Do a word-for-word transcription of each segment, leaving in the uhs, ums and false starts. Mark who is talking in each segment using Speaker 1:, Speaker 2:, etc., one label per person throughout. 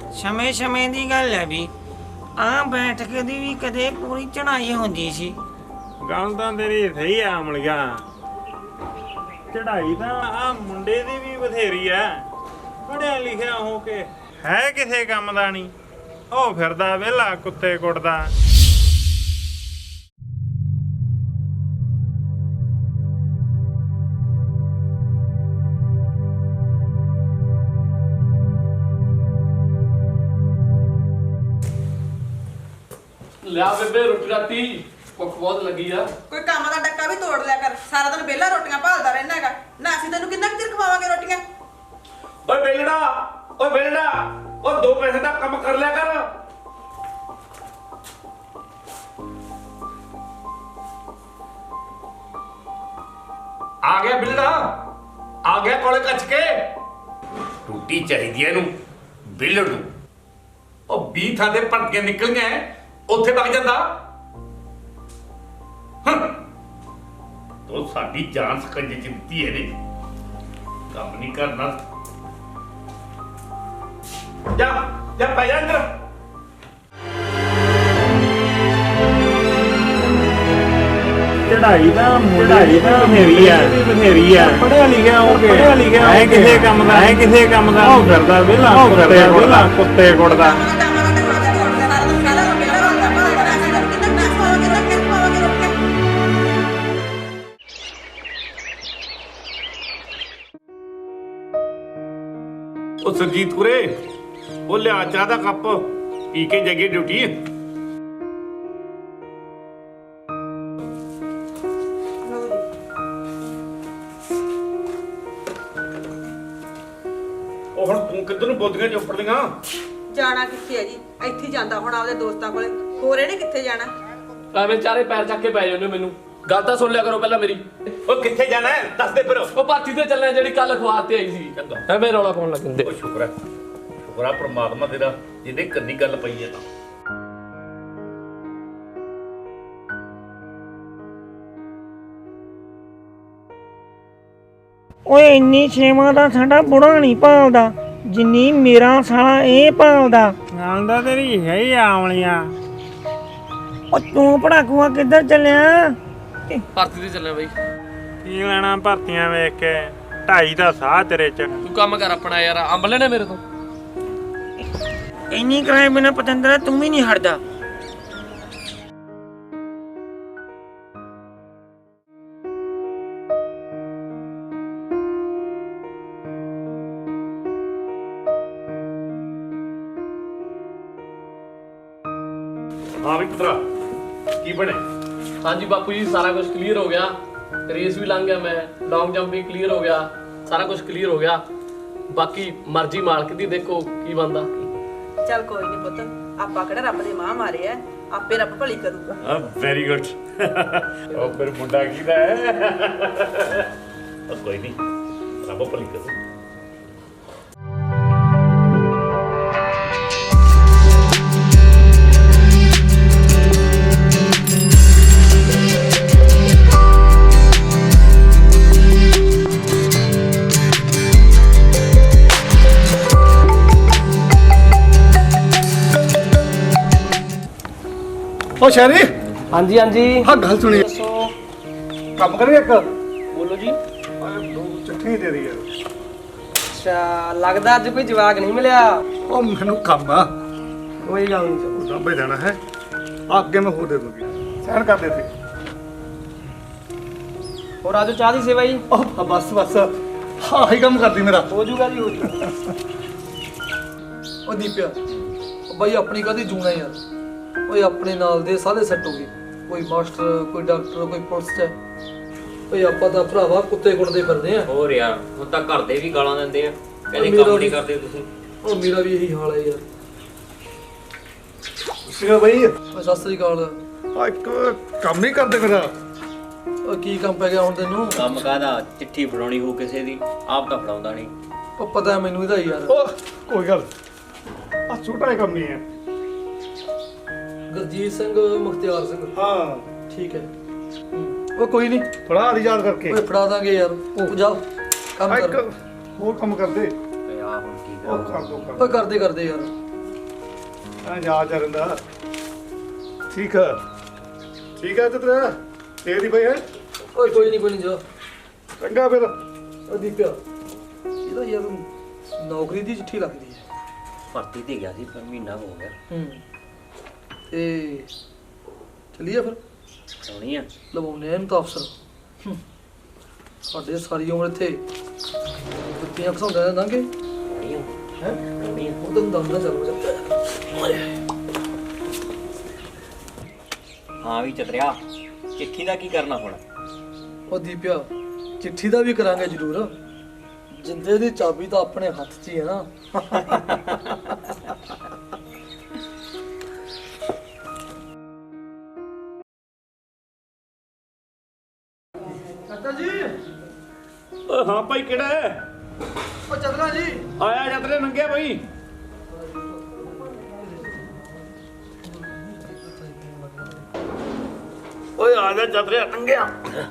Speaker 1: ਸਮੇਂ ਸਮੇਂ ਦੀ ਗੱਲ ਹੈ ਵੀ ਆ ਬੈਠਕ ਦੀ ਵੀ ਕਦੇ ਪੂਰੀ ਚੜਾਈ ਹੁੰਦੀ ਸੀ।
Speaker 2: ਗੱਲ ਤਾਂ ਤੇਰੀ ਸਹੀ ਆ ਅਮਲੀਆ, ਚੜਾਈ ਤਾਂ ਆ ਮੁੰਡੇ ਦੀ ਵੀ ਬਥੇਰੀ ਐ। ਪੜਿਆ ਲਿਖਿਆ ਹੋ ਕੇ ਹੈ ਕਿਸੇ ਕੰਮ ਦਾ ਨਹੀਂ, ਉਹ ਫਿਰਦਾ ਵਿਹਲਾ ਕੁੱਤੇ ਕੁੱਟਦਾ।
Speaker 3: ਲਿਆ ਬੇਬੇ ਰੋਟੀ ਰਾਤੀ ਭੁੱਖ ਬਹੁਤ ਲੱਗੀ ਆ।
Speaker 4: ਕੋਈ ਕੰਮ ਦਾ ਡੱਕਾ ਵੀ ਤੋੜ ਲਿਆ ਕਰ, ਸਾਰਾ ਦਿਨ ਵਿਹਲਾ ਰੋਟੀਆਂ ਭਾਲਦਾ ਰਹਿਣਾ ਹੈਗਾ ਨਾ। ਅਸੀਂ ਤੈਨੂੰ ਕਿੰਨਾ ਕੁ ਚਿਰ ਖਵਾਵਾਂਗੇ ਰੋਟੀਆਂ।
Speaker 3: ਓਏ ਬੇਲੜਾ, ਓਏ ਬੇਲੜਾ, ਓ ਦੋ ਪੈਸੇ ਦਾ ਕੰਮ ਕਰ ਲਿਆ ਕਰ। ਆ ਗਿਆ ਬਿਲੜਾ, ਆ ਗਿਆ ਕੋਲੇ ਕੱਚ ਕੇ। ਰੋਟੀ ਚਾਹੀਦੀ ਐ ਇਹਨੂੰ ਬਿਲੜ ਨੂੰ। ਉਹ ਵੀਹ ਥਾਂ ਦੇ ਭਟਕੇ ਨਿਕਲ ਗਏ, ਉੱਥੇ ਵਗ ਜਾਂਦਾ। ਤੋ ਸਾਡੀ ਜਾਨ ਸਕੰਜੇ ਚ ਦਿੱਤੀ ਇਹਨੇ, ਕੰਮ ਨਹੀਂ ਕਰਨਾ। ਜਾ ਜਾ ਪੈ ਜਾ ਅੰਦਰ।
Speaker 2: ਚੜਾਈ ਤਾਂ ਚੜਾਈ ਤਾਂ ਬਥੇਰੀ ਐ ਬਥੇਰੀ ਐ। ਪੜਿਆ ਲਿਖਿਆ ਹੋ ਕੇ ਪੜਿਆ ਲਿਖਿਆ ਹੈ ਕਿਸੇ ਕੰਮ ਦਾ ਹੈ ਕਿਸੇ ਕੰਮ ਦਾ। ਉਹ ਫਿਰਦਾ ਵਿਹਲਾ ਕੁੱਤੇ ਕੁੱਟਦਾ ਕੁੱਤੇ ਕੁੱਟਦਾ।
Speaker 3: ਉਹ ਸਰਜੀਤ ਕੁਰੇ, ਉਹ ਲਿਆ ਚਾਹ ਦਾ ਕੱਪ, ਪੀ ਕੇ ਜਗੇ ਡਿਊਟੀ। ਉਹ ਹੁਣ ਤੂੰ ਕਿੱਧਰ ਨੂੰ ਬੋਦੀਆਂ ਚੋਪੜਦੀਆਂ?
Speaker 4: ਜਾਣਾ ਕਿੱਥੇ ਹੈ ਜੀ, ਇੱਥੇ ਹੀ ਜਾਂਦਾ ਹੁਣ ਆਪਦੇ ਦੋਸਤਾਂ ਕੋਲੇ, ਹੋਰ ਇਹਨੇ ਕਿੱਥੇ ਜਾਣਾ।
Speaker 5: ਐਵੇਂ ਚਾਰੇ ਪੈਰ ਚੱਕ ਕੇ ਪੈ ਜਾਂਦੇ ਹੋ ਮੈਨੂੰ। ਗੱਲ ਤਾਂ ਸੁਣ ਲਿਆ ਕਰੋ ਪਹਿਲਾਂ ਮੇਰੀ।
Speaker 3: ਉਹ ਕਿੱਥੇ ਜਾਣਾ ਹੈ ਦੱਸ ਦੇ ਫਿਰ।
Speaker 5: ਉਹ ਪਾਰਟੀ ਤੇ ਚੱਲਣਾ ਜਿਹੜੀ ਕੱਲ ਅਖਬਾਰ ਤੇ ਆਈ ਸੀ। ਐਵੇਂ ਰੌਲਾ ਪਾਉਣ ਲੱਗ ਜਾਂਦੇ।
Speaker 3: ਉਹ ਸ਼ੁਕਰ ਹੈ ਸ਼ੁਕਰ ਹੈ ਪ੍ਰਮਾਤਮਾ ਤੇਰਾ ਜਿਹਦੇ ਕੰਨੀ ਗੱਲ ਪਈ ਹੈ ਤਾਂ।
Speaker 1: ਓਏ ਇੰਨੀ ਛੇਵਾਂ ਦਾ ਸਾਡਾ ਬੁੜਾ ਨਹੀਂ ਭਾਲਦਾ ਜਿੰਨੀ ਮੇਰਾ ਸਾਲਾ ਇਹ ਭਾਲਦਾ।
Speaker 2: ਗੱਲ ਤਾਂ ਤੇਰੀ ਸਹੀ ਆ ਅਮਲੀਆ।
Speaker 1: ਉਹ ਤੂੰ ਪੜਾਕੂਆ ਕਿੱਧਰ ਚੱਲਿਆ?
Speaker 5: ਭਰਤੀ ਤੇ ਚੱਲਿਆ ਬਾਈ।
Speaker 2: ਕੀ ਲੈਣਾ ਭਰਤੀਆਂ ਵੇਖ ਕੇ, ਢਾਈ ਦਾ ਸਾਹ ਤੇਰੇ ਚ।
Speaker 5: ਤੂੰ ਕੰਮ ਕਰ ਆਪਣਾ ਯਾਰ, ਅੰਬ ਲੈਣੇ ਮੇਰੇ ਤੋਂ।
Speaker 1: ਇੰਨੀ ਕਰਾਏ ਬਿਨਾ ਪਤੰਦਰਾ ਤੂੰ ਵੀ ਨਹੀਂ ਹਟਦਾ।
Speaker 3: ਹਾਂ ਵੀ ਪੁੱਤਰਾ ਕੀ ਬਣੇ?
Speaker 5: ਹਾਂਜੀ ਬਾਪੂ ਜੀ, ਸਾਰਾ ਕੁਝ ਕਲੀਅਰ ਹੋ ਗਿਆ। ਰੇਸ ਵੀ ਲੰਘ ਗਿਆ ਮੈਂ, ਲੌਂਗ ਜੰਪ ਵੀ ਕਲੀਅਰ ਹੋ ਗਿਆ, ਸਾਰਾ ਕੁਝ ਕਲੀਅਰ ਹੋ ਗਿਆ। ਬਾਕੀ ਮਰਜ਼ੀ ਮਾਲਕ ਦੀ, ਦੇਖੋ ਕੀ ਬਣਦਾ।
Speaker 4: ਚੱਲ ਕੋਈ ਨਹੀਂ ਪੁੱਤ, ਆਪਾਂ ਕਿਹੜਾ ਰੱਬ ਦੇ ਮਾਂ ਮਾਰੇ ਐ, ਆਪੇ ਰੱਬ ਭਲੀ ਕਰੂਗਾ।
Speaker 3: ਹਾਂ ਵੈਰੀ ਗੁੱਡ। ਉਹ ਫਿਰ ਮੁੰਡਾ ਕਿਹਦਾ ਹੈ? ਉਹ ਕੋਈ ਨਹੀਂ, ਰੱਬ ਭਲੀ ਕਰੂ।
Speaker 6: ਓ ਸ਼ਹਿਰੀ,
Speaker 5: ਹਾਂਜੀ ਹਾਂਜੀ
Speaker 6: ਹਾਂ ਗੱਲ ਸੁਣੀ।
Speaker 5: ਦੱਸੋ।
Speaker 6: ਕੰਮ ਕਰੀਏ ਇੱਕ
Speaker 5: ਬੋਲੋ ਜੀ।
Speaker 6: ਦੋ ਚਿੱਠੀ ਦੇ ਦੇ ਯਾਰ।
Speaker 7: ਅੱਛਾ, ਲੱਗਦਾ ਅੱਜ ਕੋਈ ਜਵਾਕ ਨਹੀਂ ਮਿਲਿਆ।
Speaker 6: ਉਹ ਮੈਨੂੰ ਕੰਮ ਆ,
Speaker 7: ਕੋਈ ਗੱਲ ਨਹੀਂ।
Speaker 6: ਉਹ ਸਾਂਭੇ ਜਾਣਾ ਹੈ। ਅੱਗੇ ਮੈਂ ਹੋਰ ਦੇ ਦੂੰਗੀ, ਸਹਿਣ ਕਰ ਦੇ ਤੇ।
Speaker 7: ਹੋਰ ਆਜੋ ਚਾਹ ਦੀ ਸੇਵਾ ਜੀ।
Speaker 6: ਉਹ ਬਸ ਬਸ, ਹਾਂ ਹੀ ਕੰਮ ਕਰਦੀ ਮੇਰਾ।
Speaker 7: ਹੋ ਜੂਗਾ ਜੀ, ਹੋ ਜੂਗਾ।
Speaker 8: ਉਹ ਦੀਪਿਆ, ਉਹ ਬਾਈ ਆਪਣੀ ਕਾਹਦੀ ਜੂਣਾ ਯਾਰ। ਓਏ ਆਪਣੇ ਨਾਲ ਦੇ ਸਾਰੇ ਸੈੱਟ ਹੋ ਗਏ, ਕੋਈ ਮਾਸਟਰ, ਕੋਈ ਡਾਕਟਰ, ਕੋਈ ਪੁਲਿਸ ਚ। ਓਏ ਆਪਾਂ ਤਾਂ ਭਰਾਵਾ ਕੁੱਤੇ ਕੁੱਟਦੇ ਫਿਰਦੇ ਆ।
Speaker 9: ਹੋਰ ਯਾਰ, ਹੁਣ ਤਾਂ ਘਰ ਦੇ ਵੀ ਗਾਲਾਂ ਦਿੰਦੇ ਆ, ਕਹਿੰਦੇ
Speaker 8: ਮੇਰਾ
Speaker 9: ਕੰਮ
Speaker 8: ਵੀ-
Speaker 9: ਨਹੀਂ ਕਰਦੇ ਤੁਸੀਂ।
Speaker 8: ਉਹ ਮੇਰਾ ਵੀ ਇਹੀ ਹਾਲ ਹੈ ਯਾਰ।
Speaker 6: ਸੀਗਾ ਬਈ,
Speaker 8: ਓਏ ਸਤਿ ਸ੍ਰੀ ਅਕਾਲ।
Speaker 6: ਆ ਇੱਕ ਕੰਮ ਨਹੀਂ ਕਰਦੇ ਮੇਰਾ।
Speaker 8: ਓ ਕੀ ਕੰਮ ਪੈ ਗਿਆ ਹੁਣ ਤੈਨੂੰ?
Speaker 9: ਕੰਮ ਕਾਹਦਾ, ਚਿੱਠੀ ਫੜਾਉਣੀ ਹੋ ਕਿਸੇ ਦੀ, ਆਪ ਤਾਂ ਫੜਾਉਂਦਾ ਨਹੀਂ।
Speaker 8: ਉਹ ਪਤਾ ਹੈ ਮੈਨੂੰ ਇਹਦਾ ਯਾਰ।
Speaker 6: ਉਹ ਕੋਈ ਗੱਲ, ਆ ਛੋਟਾ ਹੀ ਕੰਮ ਨਹੀਂ ਹੈ।
Speaker 8: ਗੁਰਜੀਤ ਸਿੰਘ ਮੁਖਤਿਆਰ ਸਿੰਘ।
Speaker 6: ਹਾਂ
Speaker 8: ਠੀਕ ਹੈ। ਉਹ ਕੋਈ ਨਹੀਂ,
Speaker 6: ਫੜਾ ਦੀ ਯਾਦ ਕਰਕੇ।
Speaker 8: ਓਏ ਫੜਾ ਦਾਂਗੇ ਯਾਰ। ਉਹ ਜਾ ਕੰਮ
Speaker 6: ਆ
Speaker 8: ਕਰ।
Speaker 6: ਇੱਕ ਹੋਰ ਕੰਮ ਕਰਦੇ।
Speaker 9: ਤੇ ਆ ਹੁਣ ਕੀ
Speaker 6: ਉਹ
Speaker 9: ਕਰਾਂ?
Speaker 6: ਕਰ ਦੋ
Speaker 8: ਓਏ
Speaker 6: ਕੰਮ।
Speaker 8: ਕਰਦੇ ਕਰਦੇ ਯਾਰ।
Speaker 6: ਆ ਜਾ ਜਾ ਰੰਦਾ ਠੀਕ ਆ ਠੀਕ ਆ ਤੇਰਾ ਤੇਰੀ ਬਈ ਹੈ
Speaker 8: ਓਏ ਕੋਈ ਨਹੀਂ ਕੋਈ ਨਹੀਂ ਜਾ
Speaker 6: ਚੰਗਾ ਫਿਰ
Speaker 8: ਉਹ ਦੀਪਿਆ ਇਹਦਾ ਯਾਰ ਨੌਕਰੀ ਦੀ ਚਿੱਠੀ ਲੱਗਦੀ ਹੈ
Speaker 9: ਭਰਤੀ ਤੇ ਗਿਆ ਸੀ ਪਰ ਮਹੀਨਾ ਹੋ ਗਿਆ।
Speaker 8: ਹੂੰ ਤੇ ਚੱਲੀਏ ਫਿਰ
Speaker 9: ਆਉਣੀ ਆ
Speaker 8: ਲਵਾਉਣੇ ਇਹਨੂੰ ਤਾਂ ਅਫਸਰ ਹੂੰ। ਸਾਡੇ ਸਾਰੀ ਉਮਰ ਇੱਥੇ ਕੁੱਤੀਆਂ ਘਸਾਉਂਦਾ ਰਹਿੰਦਾਂਗੇ
Speaker 9: ਆਉਣੀ ਆ
Speaker 8: ਹੈ
Speaker 9: ਆਉਣੀ ਆ
Speaker 8: ਉਹ ਤਾਂ ਦਮ ਨਾ ਚੱਲ ਜਾਂਦਾ
Speaker 9: ਹਾਂ ਵੀ ਚਤਰਿਆ ਚਿੱਠੀ ਦਾ ਕੀ ਕਰਨਾ ਹੁਣ?
Speaker 8: ਉਹ ਦੀਪਿਆ ਚਿੱਠੀ ਦਾ ਵੀ ਕਰਾਂਗੇ ਜ਼ਰੂਰ ਜਿੰਦੇ ਦੀ ਚਾਬੀ ਤਾਂ ਆਪਣੇ ਹੱਥ 'ਚ ਹੀ ਹੈ ਨਾ ਚਾਚਾ ਜੀ
Speaker 3: ਓ ਹਾਂ ਭਾਈ ਕਿਹੜਾ ਹੈ?
Speaker 8: ਉਹ ਚੰਦਰਾ ਜੀ
Speaker 3: ਆਇਆ ਜਤਰੇ ਨੰਗਿਆ ਭਾਈ। ਓਏ ਆ ਜਾ ਜਤਰੇ ਨੰਗਿਆ।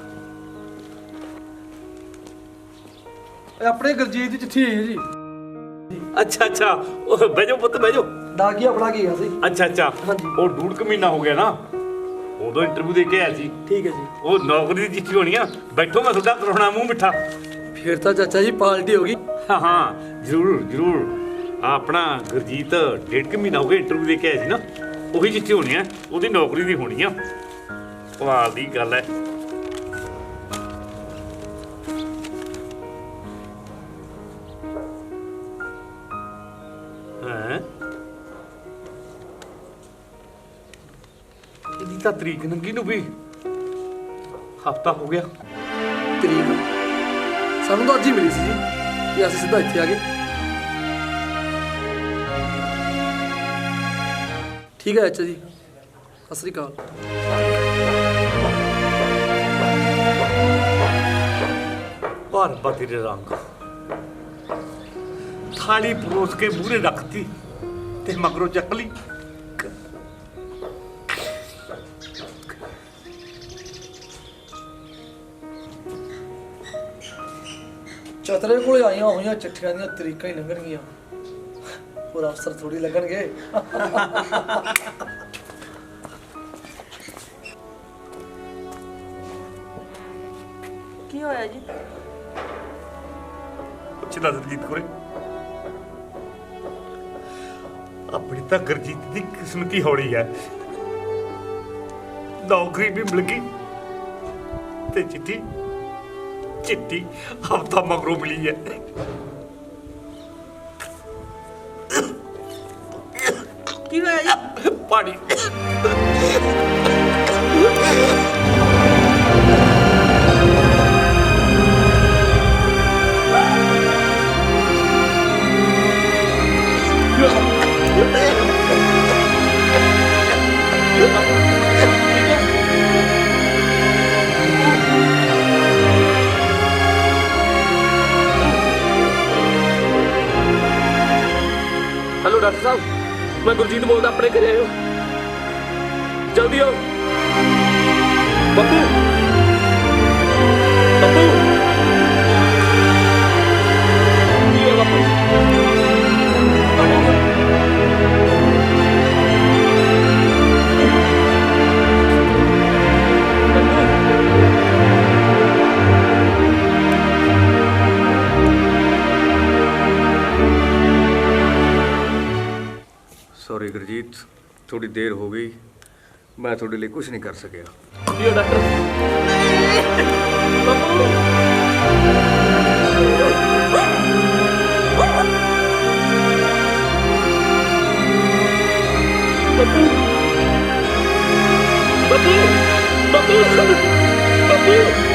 Speaker 8: ਇਹ ਆਪਣੇ ਗੁਰਜੀਤ ਦੀ ਚਿੱਠੀ ਆਈ ਹੈ ਜੀ
Speaker 3: ਅੱਛਾ ਅੱਛਾ ਉਹ ਬੈਜੋ ਪੁੱਤ ਬੈਜੋ।
Speaker 8: ਦਾਗੀ ਆਪਣਾ ਕੀ ਗਿਆ ਸੀ
Speaker 3: ਅੱਛਾ ਅੱਛਾ
Speaker 8: ਹਾਂਜੀ।
Speaker 3: ਉਹ ਡੂਢ ਕੁ ਮਹੀਨਾ ਹੋ ਗਿਆ ਨਾ ਉਦੋਂ ਇੰਟਰਵਿਊ ਦੇ ਕੇ ਆਇਆ ਸੀ।
Speaker 8: ਠੀਕ ਹੈ ਜੀ
Speaker 3: ਉਹ ਨੌਕਰੀ ਦੀ ਚਿੱਠੀ ਹੋਣੀ ਆ। ਬੈਠੋ ਮੈਂ ਤੁਹਾਡਾ ਕਰਾਉਣਾ ਮੂੰਹ ਮਿੱਠਾ।
Speaker 8: ਫਿਰ ਤਾਂ ਚਾਚਾ ਜੀ ਪਾਰਟੀ ਹੋ ਗਈ
Speaker 3: ਹਾਂ ਹਾਂ ਜ਼ਰੂਰ ਜ਼ਰੂਰ। ਆ ਆਪਣਾ ਗੁਰਜੀਤ ਡੇਢ ਕੁ ਮਹੀਨਾ ਹੋ ਗਿਆ ਇੰਟਰਵਿਊ ਦੇ ਕੇ ਆਇਆ ਸੀ ਨਾ ਉਹੀ ਚਿੱਠੀ ਹੋਣੀ ਆ ਉਹਦੀ ਨੌਕਰੀ ਦੀ ਹੋਣੀ ਆ। ਕਮਾਲ ਦੀ ਗੱਲ ਹੈ। ਹੈਂ ਇਹਦੀ ਤਾਂ ਤਰੀਕ ਨੰਗੀ ਨੂੰ ਵੀ ਹਫਤਾ ਹੋ ਗਿਆ।
Speaker 8: ਤਰੀਕ ਸਾਨੂੰ ਤਾਂ ਅੱਜ ਹੀ ਮਿਲੀ ਸੀ ਜੀ ਤੇ ਅਸੀਂ ਸਿੱਧਾ ਇੱਥੇ ਆ ਗਏ ਠੀਕ ਹੈ ਅੱਛਾ ਜੀ ਸਤਿ ਸ੍ਰੀ ਅਕਾਲ
Speaker 3: ਪਰ ਬਤੀ ਦੇ ਰੰਗ ਥਾਲੀ ਪਰੋਸ ਕੇ ਮੂਹਰੇ ਰੱਖਤੀ ਤੇ ਮਗਰੋਂ ਚੱਕ ਲਈ।
Speaker 8: ਚਤਰੇ ਕੋਲੇ ਆਈਆਂ ਹੋਈਆਂ ਚਿੱਠੀਆਂ ਦੀਆਂ ਤਰੀਕਾਂ ਹੀ ਲੰਘਣਗੀਆਂ ਹੋਰ ਅਫਸਰ ਥੋੜੀ ਲੱਗਣਗੇ
Speaker 4: ਕੀ ਹੋਇਆ ਜੀ
Speaker 3: ਪੁੱਛਦਾ ਦਲਜੀਤ ਕੋਲੇ ਆਪਣੀ ਤਾਂ ਗੁਰਜੀਤ ਦੀ ਕਿਸਮਤੀ ਹੌਲੀ ਹੈ। ਨੌਕਰੀ ਵੀ ਮਿਲ ਗਈ ਤੇ ਚਿੱਠੀ ਚਿੱਠੀ ਹਫਤਾ ਮਗਰੋਂ ਮਿਲੀ ਹੈ।
Speaker 4: ਕੀ ਹੋਇਆ ਜੀ
Speaker 3: ਪਾਣੀ
Speaker 5: हेलो डॉक्टर साहब, मैं गुरजीत बोलता अपने घरे आयो जल्दी आओ। बब्बू बब्बू की है बब्बू?
Speaker 6: सॉरी गुरजीत थोड़ी देर हो गई मैं थोड़े लिए कुछ नहीं कर सकिया।
Speaker 5: की है डॉक्टर? बब्बू बब्बू बब्बू बब्बू बब्बू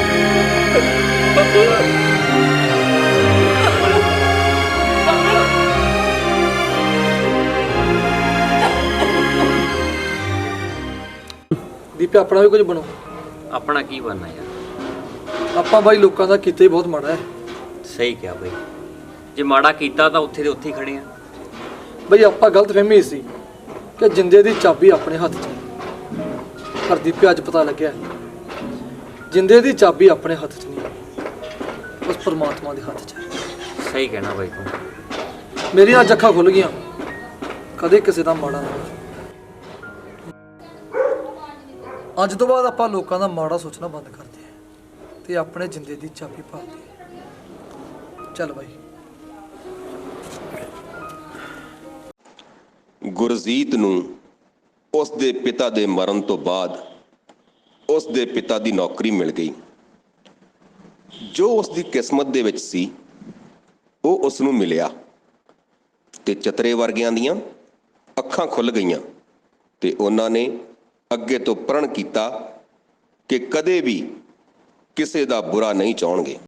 Speaker 5: बब्बू
Speaker 8: ਦੀਪਿਆ ਆਪਣਾ ਵੀ ਕੁਝ ਬਣੋ
Speaker 9: ਆਪਣਾ ਕੀ ਬਣਨਾ ਯਾਰ?
Speaker 8: ਆਪਾਂ ਬਾਈ ਲੋਕਾਂ ਦਾ ਕੀਤਾ ਹੀ ਬਹੁਤ ਮਾੜਾ ਹੈ
Speaker 9: ਸਹੀ ਕਿਹਾ ਬਈ, ਜੇ ਮਾੜਾ ਕੀਤਾ ਤਾਂ ਉੱਥੇ ਦੇ ਉੱਥੇ ਹੀ ਖੜੇ ਆ।
Speaker 8: ਬਈ ਆਪਾਂ ਗਲਤ ਫਹਿਮੀ ਸੀ ਕਿ ਜਿੰਦੇ ਦੀ ਚਾਬੀ ਆਪਣੇ ਹੱਥ 'ਚ ਹੈ ਪਰ ਦੀਪਿਆ ਅੱਜ ਪਤਾ ਲੱਗਿਆ ਜਿੰਦੇ ਦੀ ਚਾਬੀ ਆਪਣੇ ਹੱਥ 'ਚ ਨਹੀਂ ਉਸ ਪਰਮਾਤਮਾ ਦੇ ਹੱਥ 'ਚ ਹੈ।
Speaker 9: ਸਹੀ ਕਹਿਣਾ ਬਈ ਤੂੰ।
Speaker 8: ਮੇਰੀਆਂ ਅੱਜ ਅੱਖਾਂ ਖੁੱਲ ਗਈਆਂ ਕਦੇ ਕਿਸੇ ਦਾ ਮਾੜਾ ਨਾ ਹੋਵੇ। ਅੱਜ ਤੋਂ ਬਾਅਦ ਆਪਾਂ ਲੋਕਾਂ ਦਾ ਮਾੜਾ ਸੋਚਣਾ ਬੰਦ ਕਰਦੇ ਹਾਂ ਤੇ ਆਪਣੇ ਜਿੰਦੇ ਦੀ ਚਾਬੀ ਭਾਲਦੇ ਹਾਂ। ਚੱਲ ਬਾਈ।
Speaker 10: ਗੁਰਜੀਤ ਨੂੰ ਉਸ ਦੇ ਪਿਤਾ ਦੇ ਮਰਨ ਤੋਂ ਬਾਅਦ ਉਸ ਦੇ ਪਿਤਾ ਦੀ ਨੌਕਰੀ ਮਿਲ ਗਈ। ਜੋ ਉਸ ਦੀ ਕਿਸਮਤ ਦੇ ਵਿੱਚ ਸੀ ਉਹ ਉਸ ਨੂੰ ਮਿਲਿਆ ਤੇ ਚਤਰੇ ਵਰਗਿਆਂ ਦੀਆਂ ਅੱਖਾਂ ਖੁੱਲ ਗਈਆਂ ਤੇ ਉਹਨਾਂ ਨੇ ਅੱਗੇ ਤੋਂ ਪ੍ਰਣ ਕੀਤਾ ਕਿ ਕਦੇ ਵੀ ਕਿਸੇ ਦਾ ਬੁਰਾ ਨਹੀਂ ਚਾਹਣਗੇ।